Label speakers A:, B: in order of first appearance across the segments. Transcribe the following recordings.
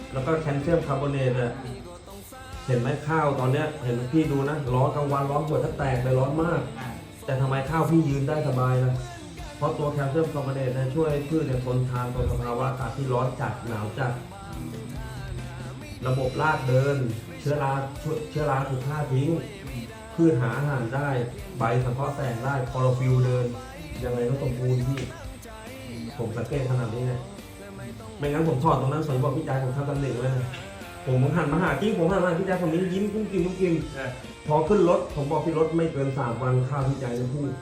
A: แล้วก็แคลเซียมคาร์บอเนตอะเห็นไหมข้าวตอนเนี้ยเห็นพี่ดูนะร้อนกลางวันร้อนหัวแทบแตกเลยร้อนมาก แต่ทำไมข้าวพี่ยืนได้สบายนะเพราะตัวแคลเซียมคาร์บอเนตช่วยพืชทนทานต่อสภาวะอากาศที่ร้อนจัดหนาวจัดระบบรากเดิน เชื้อราถูกฆ่าทิ้งพืชหาอาหารได้ใบสังเคราะห์แสงได้คลอโรฟิลเดินยังไงก็สมบูรณ์พี่ผมสังเกตขนาดนี้เนี่ยไม่งั้นผมถอดตรงนั้นสวยบอกพี่ใจผมทำตำหนิไว้นะผมหันมาหากิ้งผมหันมาพี่ใจผมยิ้มกุ้งกินพอขึ้นรถผมบอกพี่รถไม่เกิน3 วันข้าวพี่ใจจะพูด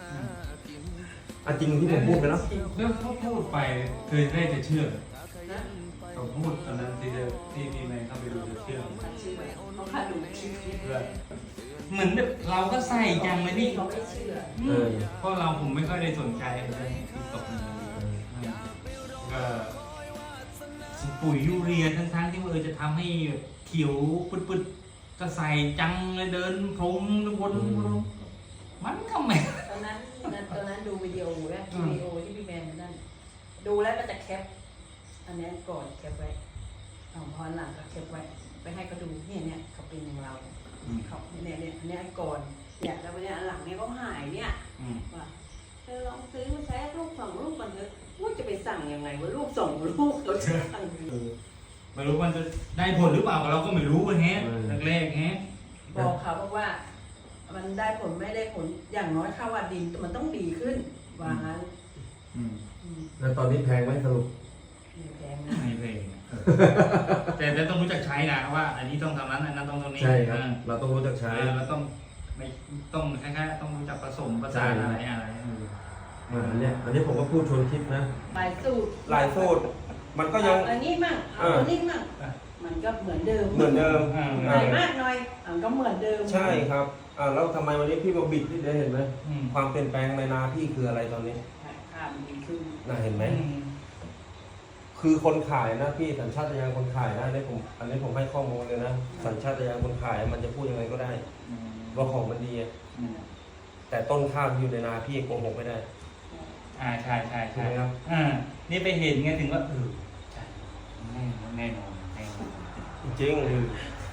A: จริงที่ผมพูดไปแล้ว
B: แล้วเขาพูดไปเคยได้จะเชื่อเขาพูดตอนนั้นที่พี่แมนเข้าไปดูจะเชื่อ
C: เชื่อเขาพาดูคลิปนี้
B: เหมือนแบบเราก็ใส่จังเลยพี่
C: เขาไม่เชื่อ
B: เพราะผมไม่ค่อยได้สนใจเรื่องติ๊กต็อกก็ปุ๋ยยูเรียทั้งที่ว่าจะทำให้เขียวปึ๊ดๆก็ใส่จังเลยเดินพรมวนมันก็ไม่
C: ตอนนั้นดูวิดีโอแล้วที่พี่แมนนั่นดูแล้วก็จะแคปอันนี้ก่อนแคปไว้พอหลังก็แคปไว้ไปให้เขาดูเนี่ยเขาเป็นอย่างเราเขาเนี่ยอันนี้ก่อนเนี่ยแล้ววันนี้อันหลังเนี่ยเขาหายเนี่ยว่าเธอลองซื้อมาใช้ลูก2 ลูกมันเถอะว่าจะไปสั่งยังไงว่าลูก2 ลูกเขาจะสั่ง
B: ไม่รู้มันจะได้ผลหรือเปล่าเราก็ไม่รู้กันแฮะแรกๆแฮะ
C: บอกเขาบอกว่ามันได้ผลไม่ได้ผลอย่างน้อยข้าวว่าดินมันต้องดีขึ้นว่างั้น
A: แล้วตอนนี้แพงไหมสรุป
C: แพงนะ
B: ไม่เพลงแต่ต้องรู้จักใช้นะว่า อันนี้ต้องทำนั้นอันนั้นต้องตรงนี้
A: ใช่ครับเราต้องรู้จักใช้
B: เราต้องไม่ต้องแค่ต้องรู้จักผสมผสานอะไร
A: อันนี้ผมก็พูดชวนคิดนะ
C: ลายสูตร
A: หลายสูตรมันก็ยัง
C: อันนี้มั่งเอาอันนี้มั่งมันก็เหมือนเดิม
A: เหมือนเดิม
C: หน่อยมากหน่อยก็เหมือนเดิม
A: ใช่ครับแล้วทำไมวันนี้พี่มาบิดที่ได้เห็นไหมความเปลี่ยนแปลงในนาพี่คืออะไรตอนนี้
C: ค่ามันดีขึ้น
A: น่าเห็นไหมคือคนขายนะพี่สัญชาตญาณคนขายนะอันนี้ผมให้ข้อมูลเลยนะสัญชาตญาณคนขายมันจะพูดยังไงก็ได้ว่าของมันดีแต่ต้นข้าวที่อยู่ในนาพี่โกหกไม่ได้
B: ใช่
A: ครับ
B: นี่ไปเห็นไงถึงว่าใช่แน่นอน
A: จริง